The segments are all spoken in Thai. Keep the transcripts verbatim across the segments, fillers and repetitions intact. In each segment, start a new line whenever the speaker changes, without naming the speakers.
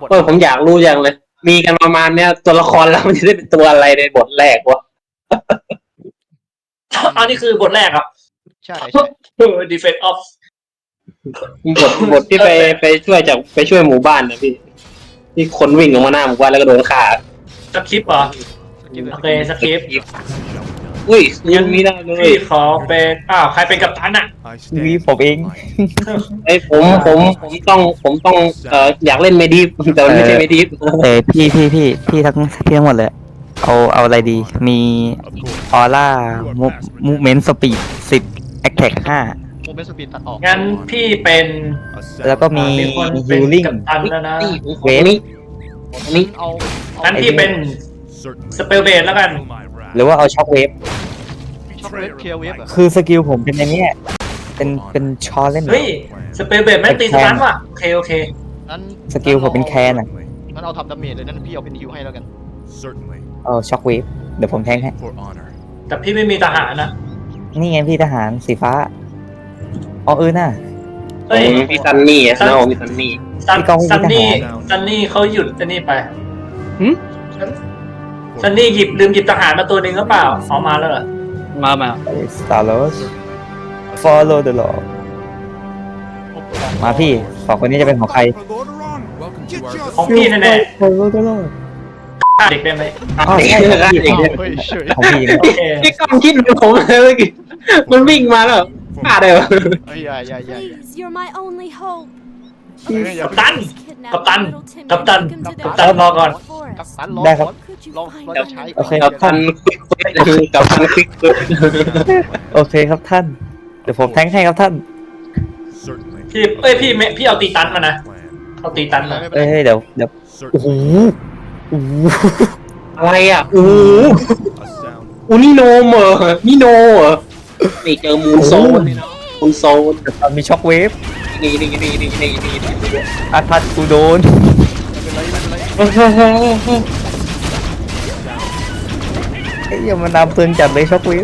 บท
เออผมอยากรู้อย่างเลย มีกันประมาณเนี้ยตัวละครแล้วมันจะได้เป็นตัวอะไรในบทแรกวะ
อันนี้คือบทแรกครับ
ใช่ใช่
Defense of
บทบทที่ไปไปช่วยจากไปช่วยหมู่บ้านนะพี่ที่คนวิ่งออกมาหน้าหมู่บ้านแล้วก็โดนฆ่า
สคริปต์เหรอโอเคสคริปต์
อุ้ยยังมีได้เลย
พี่ขอเป็นอ้าวใครเป็นกัปตันอ่ะ
วีผมเอง
ไอ้ผมผมผมต้องผมต้องเอ่ออยากเล่นเมดิฟแต่มันไม่ใช่เมดิฟ
เออพี่พี่พี่พี่ทั้งพี่ทั้งหมดเลยเอาเอาอะไรดีมีออร่ามูเมนต์สปีดสิบแอคแท็กห้า
โมเมนต์สปีดตัดออก
งั้นพี่เป็น
แล้วก็มี
มีคนเป็
ฮิ
น
ลลิ่ง
กัปตันแล้วนะ
นี่ผมขอนี้นี่
เอาเอา
งั้นพี่เป็นสเปลเบดแล้วกัน
หรือว่าเอาช็อคเวฟ
ช็อกเวฟเคลียร์เวฟเหรอ
คือสกิลผมเป็นอย่างเนี้ยเป็นเป็นชอเล่น
เฮ้ยสเปลเบดแม่งตีสตันว่ะโอเคโอเค
นั้น
สกิลผมเป็นแคนอ่ะ
งั้นเอาทำดาเมจเลยนั่นพี่เอาเป็นฮิวให้แล้วกัน
เอาช็อคเวฟเดี๋ยวผมแทงให้
แต่พี่ไม่มีทหารนะ
นี่ไงพี่ทหารสีฟ้าอ๋อเออน่ะ
เฮ้ย
พี่ซันนี่อ่ะน้องพี่ซันนี่
ซัน
พี่กอง
ซันนี่
พี่ทหาร
ซันนี่เขาหยุดอันนี้ไป
หึ
ซันนี่หยิบลืมหยิบทหารมาตัวหนึ่งหรือเปล่าเอามาแล้วเหรอ
มามา
สตาร์ลอส follow the law มาพี่สองคนนี้จะเป็นของใคร
ของพี่แน่
follow the law
ๆเด็กได้ไหม
อ๋อใช่ของพี่
เด็ก
เฮ้ยเฉย
ของพี่
โอเค
พี่ก้องคิดเป็นผมเลยเมื่อกี้มันวิ่งมาแล้วฆ่าได้ปะ
เฮ้ยอย่าอย่าอย่า
Please, you're my only hope.
กัปตัน
Kidnap
กัปตัน
little Timmy
กัปตัน
and take him to
กัป
the
ตันรอก่อน
กัป
forest.
ตันรอ
ได้ครับ
ก่อน
Could you
รอ
find
รอ
a
จะใช้
โอเค
กับทันควิกเควสกับทันควิกเควส
โอเคครับท่าน เดี๋ยวผมแทงให้ครับท่าน
พี่เอ้ยพี่ไม่พี่เอาตีตันมานะเอาตีตันมา
ไม่เป็น
เอ้
ไร
ยเดี๋ยวเดี๋ยวโอ้โหโอ้โห
อะไรอ่ะโอ้โหอูนี่โนมเหรอนี่โนเหรอนี่เจอมูนโซนนี่เนาะมูนโซน
ตอนมีช็อคเวฟ
นี่นี่นี่นี่นี่นี่นี่
อาทัดกูโดน
ไม่เป็นไรไม่เป็นไร
ไอ้ยอย่ามานำเตือนจัดเลยช็อคเวฟ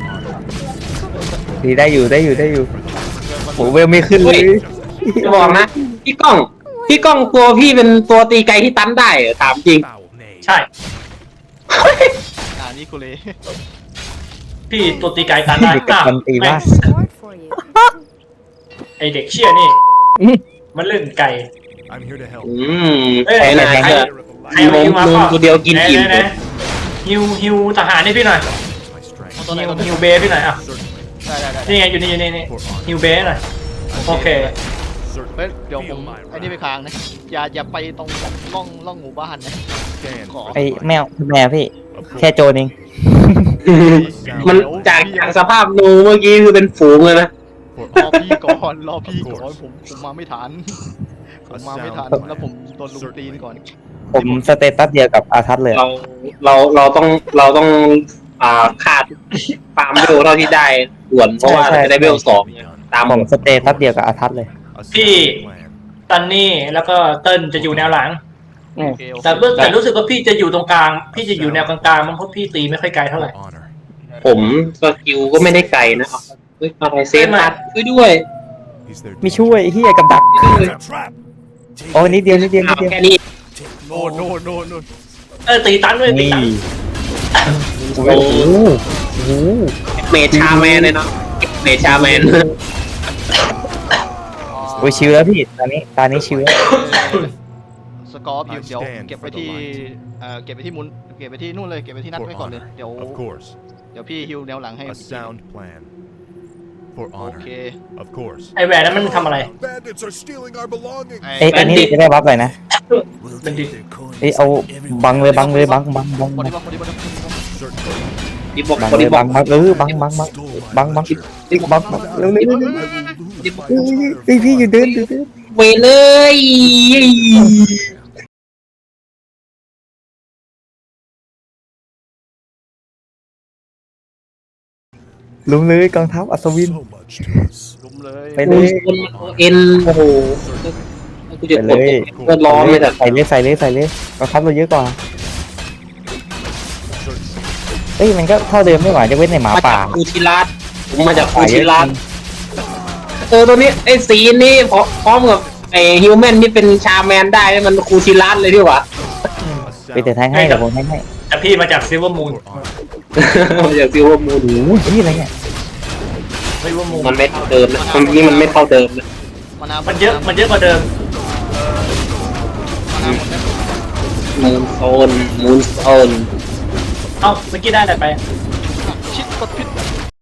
ดีได้อยู่ได้อยู่ได้อยู่โหเวลไม่ขึ้นเลย
จะบอกนะพี่ก้องพี่ก้องตัวพี่เป็นตัวตีไกลที่ตันได้เหรอถามจริง
ใช่
อ่านี่กูเลย
พี่ตัวตีไกลตันได้
เด็กกับ
อ้าว
มันตี
แม่
ว่าง
Reward for you.
ไอเด็กเชี่ยนี่ มันเล่นไก่
อืม
เอ้ย
ใช่นะ
ใคร
ใช่
ใครเอาฮิวมา
ลง
เปล่า
ตัวเดียวกินอิ่ม
ไหๆๆฮิวฮิวทหารนี่พี่หน่อย
เอาตัวไหน
ฮิว
ก่อน
ฮิวเบสพี่หน่อยอ่ะ
ได้ได้ได้
นี่ไงอยู่นี่อยู่นี่นี่ฮิวเบสหน่อยโอเค
เฮ้ยเดี๋ยวผมไอ้นี่ไปค้างนะอย่าอย่าไปตรงร่องร่องหมู่บ้านนะขอ
ไอ้แมวแมวพี่ แค่โจรเอง
มันจากจากสภาพนูเมื่อกี้คือเป็นฝูงเลยนะ
รอพี่ก่อนรอพี่ก่อนผมผมมาไม่ทันผมมาไม่ทันแล้วผมโดนลุมตีนก่อน
ผมสเตตัสเดียวกับอาทัศน์เลย
เราเราเราต้องเราต้องอ่าขาดฟาร์มเวลเท่าที่ได้ด่วนเพราะว่าเราจะได้เวลสองตาม
ผมสเตตัสเดียวกับอาทัศน์เลย
พี่ตันนี่แล้วก็เติ้ลจะอยู่แนวหลัง
โอเคโอเค
แต่เมื่อแต่รู้สึกว่าพี่จะอยู่ตรงกลาง พี่จะอยู่แนวกลางๆมันเพราะพี่ตีไม่ค่อยไกลเท่าไหร่
ผมสกิลก็ไม่ได้ไกลนะเฮ้ยอะไรเซฟตัดช่วยด้วย
ไม่ช่วยไอ้เฮียกับดักโอ้นิดเดียวนิดเดียวนิ
เอา
ดเดียว
แค่นี้
โน่นโน่นโน่นโน่น
เออตีตันด้วยตี
นี่
ตัน
โอ้โหโอ้โห
เมชาแมนเลยเนาะเมชาแมน
โอ้ยชิวแล้วพี่ตอนนี้ตอนนี้ชิวแล้ว
สกอร์พิวเดี๋ยวเก็บไปที่เอ่อเก็บไปที่มุนเก็บไปที่นู่นเลยเก็บไปที่นัดไว้ก่อนเลยเดี๋ยวเดี๋ยวพี่ฮิวแนวหลังให้
A sound plan. For
โอ
honor.
เค
Of course.
ไอแหวนนั้นมันทำอะไร
Bandits are stealing our belongings.
เอ้ยอันนี้จะได้บัฟเลยนะ
มันดิ
เอ้ยเอาบังเลยบังเลยบังบังบัง
บอ
บัง
ดี้บล็อกบอดี้บล็อก
ดิบอก
บัง
บอ
เล
ดี้
ย
บอ
บั
ก
งบังเออบังบังบังบังบังบังบังเร็วเร็วเร็วเร็วเฮ้ยพี่อยู่เดินอยู่เดิน
เวเลย
ลุมเลยกองทัพอัศวิน
So much to us.
ลุมเลย
ไปเล
มู
ย
นเอ็นโอ้โหกูจะ
ไป
ก
เล
ด
ย
เพื่อล้อไม่แต่
ใส่เลยใส่เลยใส่เลยกองทัพเราเยอะกว่าเอ้ยมันก็เท่าเดิมไม่หวานจะเว้นในหมา
มา
ป่า
จากคูชิรัสผมมาจากคูชิรัสเออตัวนี้ไอ้สีนี้พร้อมกับไไอฮิวแมนนี่เป็นชาแมนได้มันคูชิรัสเลยดีกว่า
A
ไปเตะแทงให้เดี๋ยวผมแทงให้
แต่พี่มาจากซิลเวอร์มูน
for honor.
มาจากซิลเวอร์มูน
โอ้โหนี่อะไรเนี่ย
ซิลเวอร์มูน
มันไม่เท่าเดิมนะมันนี่มันไม่เท่าเดิมนะ
มานา
มันเยอะมันเยอะกว่าเดิม
มานาหมดไหม
มูนโซนมูนโซน
เอ้าเมื่อกี้ได้อะไรไป
ชิดกดพิษ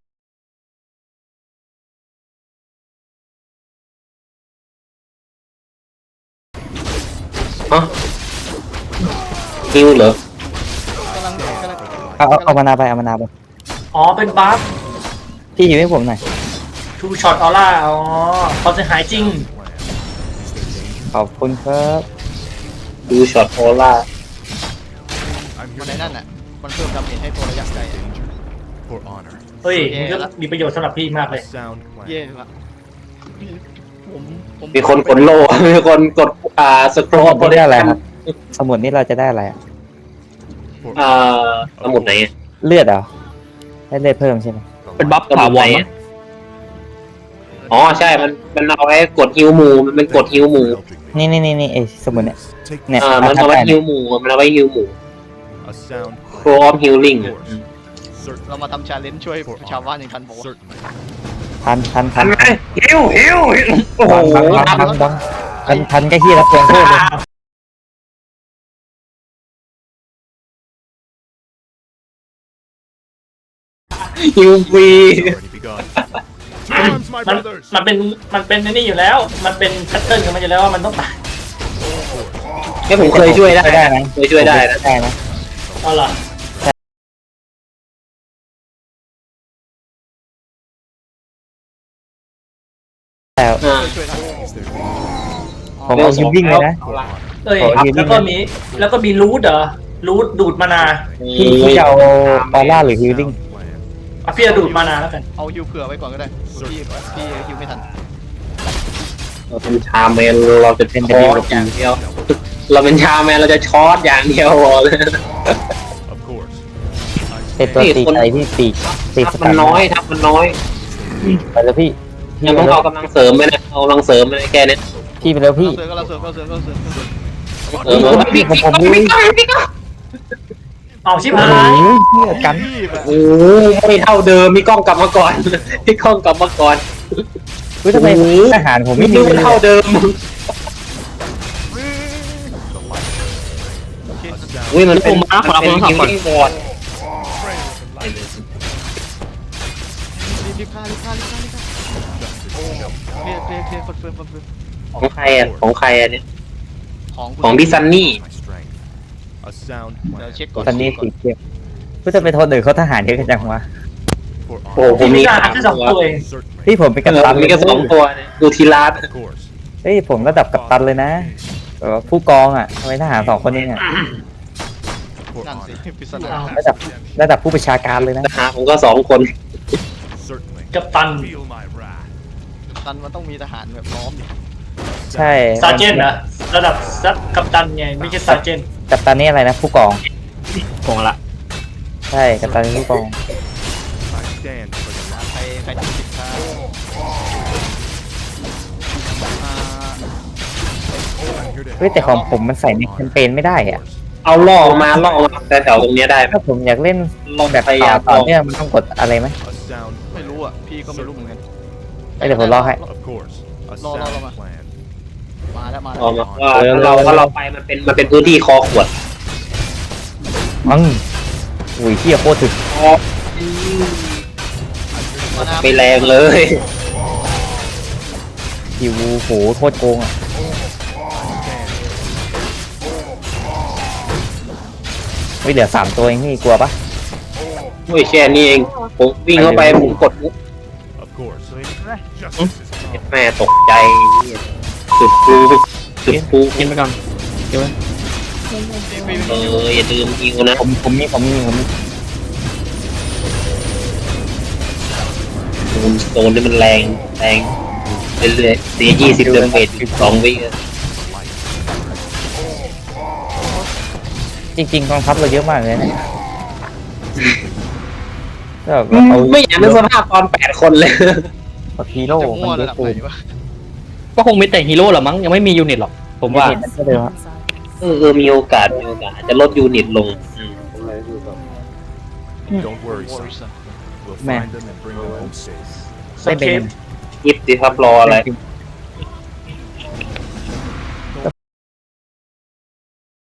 ฮะฮิวเหรอก
ำลังกำลัง
เอาเอาเอามานาไปเอามานาไป
อ๋อเป็นบัฟ
พี่หิวให้ผมหน่อย
ทูช็อตออร่าอ๋อเขาจะหายจริง
ขอบคุณครับ
ดูช็อตโอล่า
I'm
มัน
here
ใน
to
นั่นน่ะมันเพิ่มดาเมจให้ตัวระยะไกล
danger. For honor.
เฮ้ยมันก็มีประโยชน์สำหรับพี่มากเลย
A sound plan.
เย่ละพี่ผมผม
มีคนกดโล่ มีคนกดอ่าสครอ
ส
ล
มุดนี่ได้อะไรครับ สมุดนี่เราจะได้อะไรอะ
For
อ่าสมุดไหนอะ
เลือดเหรอได้เลือดเพิ่มใช่ไหม
เป็นบัฟถาวรอ๋อใช่มันมันเอาไว้กดฮิวหมูมันเป็นกดฮิวหมู
นี่นี่นี่นี่ไอ้สมุดเนี่ย
Take
เนี่ย
อ่ามันเอาไว้ฮิวหมูมันเอาไว้ฮิวหมู
a sound
โครอมฮิลลิ่ง
Certain.
เรามาทำชาเลนจ์ช่วยชาวบ้านอย่างทันบอกว่า
Certainly.
พันพันพั
ทั
น
นไหมฮิวฮิวโอ้โห
บังบังบังบังพันพันก็เฮียรับเกินโทษเลย
ฮิวฟรี
Already begun. To arms, my
มัน
brothers.
มันเป็นมันเป็นไอ้นี่อยู่แล้ว มันเป็นแพทเทิร์นของมันอยู่แล้วว่ามันต้องตาย
แค่ผมเคยช่วยได้
ได้นะ
เคยช่วยได้นะ
ได้นะ
เอาล่ะ
แต่
อ่า
ช่วยได้
ผมเอาฮิววิ่งเลยนะ
เอ้ย
ขอยืน
แล้วก็มีแล้วก็มีรูทเหรอรูทดูดมานา
พี่พี่จะเอาออร่าหรือฮิวลิ่ง
Sound plan.
อ่ะพี่จะดูดมานาแล้วกัน
เอาฮิวเผื่อไว้ก่อนก็ได้พี่พี่ฮิวไม่ทัน
เราเป็นชาแมนเราจะเป็นช็อตอย่างเดียว เราเป็นชาแมนเราจะช็อตอย่างเดียวพอเลย
Of course.
เป็นตัวตีไกที่ตีตีส
ทับ
ตั
มัน นน้อยทับมันน้อย
ไปแล้วพี่
ยังต้องเอากำลังเสริมไหมนะเอากำลังเสริมไหมแค่เนี้ย
พี่ไปแล้วพี่
เสริมก็เราเสริมก็เราเสริมก็เราเสริม
เออมันพี่ผมผมพี่
เอาชิบ
โอ้
หาย
โหเฮียกัน
โอ้ไม่เท่าเดิมมีกล้องกลับมาก่อนมีกล้องกลับมาก่อน
เฮ้ยทำไมทหารผม
ไม่
ไม่
นึ
ดี
กว่า
เลย
เท่าเดิม
A sound
อุ้ยมันเป็นมันเป็นฮิวลิ่งบอร์ด
รีบรีบฆ่ารีบฆ่ารีบฆ่ารีบฆ่าเคลียร์เคลียร์เคลียร์คอนเฟิร์มคอนเฟิร์ม
ของใครอ่ะของใครอ่ะเนี่ย
ของคุณ
ของพี่ซันนี่
my strength. A sound
เดี๋ยว
plan.
เช็คก่อน
ตอนนี้สีเขียวเพื่อจะไปโทษหนึ่งเขาทหารเยอะกันจังวะ
For
โอ้โห
honor.
ผมมี
พี่
สา
ดาม แค่สอง
ตัว
ตัวเอง
Certainly.
พี่ผมเป็นกัปตัน
มีแค่สองตัวเนี่ยดูทีลาส
Of course.
เฮ้ยผมระดับกัปตันเลยนะแบบว่าผู้กองอ่ะทำไมทหารสองคนนี้อ่ะ
For
นั่นสิ
honor.
ปริศนา
ระดับระดับผู้ประชาการเลยนะ
นะฮะผมก็สองคน
Certainly.
กับตัน
Feel my wrath.
ตันมันต้องมีทหารแบบล้อมดิ
ใช่
ซาเจนนะระดับซับกัปตันไงไม่ใช่ซาเจน
กัปตันนี่อะไรนะผู้กอง
กองละ
ใช่กัปตันผู้กอง
I stand for the light.
ใครใครทำผิดพลาดอ่า
I'm here to
เฮ้ยแต่ของผมมันใส่ในแคมเปญไม่ได้อ่ะ
เอาล่อมาล่อมาแต่แถวตรงเนี้ยได้ไหม
ถ้าผมอยากเล่น
ล่อ
แบบ
พยายาม
ต่อ
ล่อ
เนื่องมันต้องกดอะไรไหม
A sound
ไม่
plan.
รู้อ่ะพี่ก็ไม่รู้เหมือนกัน
เอ้ยเดี๋ยวผมรอให้
Of course. A
Lo, lo, lo,
sound
lo.
plan.
มาแล้วมาแล้
ล่อ
ว
มาว่าถ้าเราถ้าเราไปมันเป็นมันเป็นพื้นที่คอขวด
มังอุ้ยเฮียโคตรถึก
มาหน้า
ไปแรงเลย
คิวโหโคตรโกงอ่ะเฮ้ยเหลือสามตัวเองนี่กลัวปะ
โอ้ยแค่นี้เองผมวิ่งเข้าไปผมกดปุ๊บ
Of course. Justice is come.
แม่ตกใจจุดปูจุดปูกินไปก่อน
พี่พี่
เอออย่าลืมฮิวนะ
ผมผมมีผมมีผมมี
มูนสโตนนี่มันแรงแรงเรื่อยๆเสียยี่สิบเดเมจสิบสองวิ
จริงๆกองทัพเราเยอะมากเลยนะก็แบบ
อืม
เอา
ไม่อยากนึกสภาพตอนแปดคนเลย
แบบฮีโร่
จะ
มั
มั่วน
เย
ระ
อะ
ดับ
เกิ
ไหน
น
วะ
ก็คงมีแต่ฮีโร่หรอมั้งยังไม่มียูนิตหรอกผมว่า
ก็เลยว่า
เออเออมีโอกาสมีโอกาสอาจจะลดยูนิตลงอืม
Don't worry, son. We'll
Man.
find them and bring them home safe.
สเคป
ยิบสิครับรออะไร
เป็น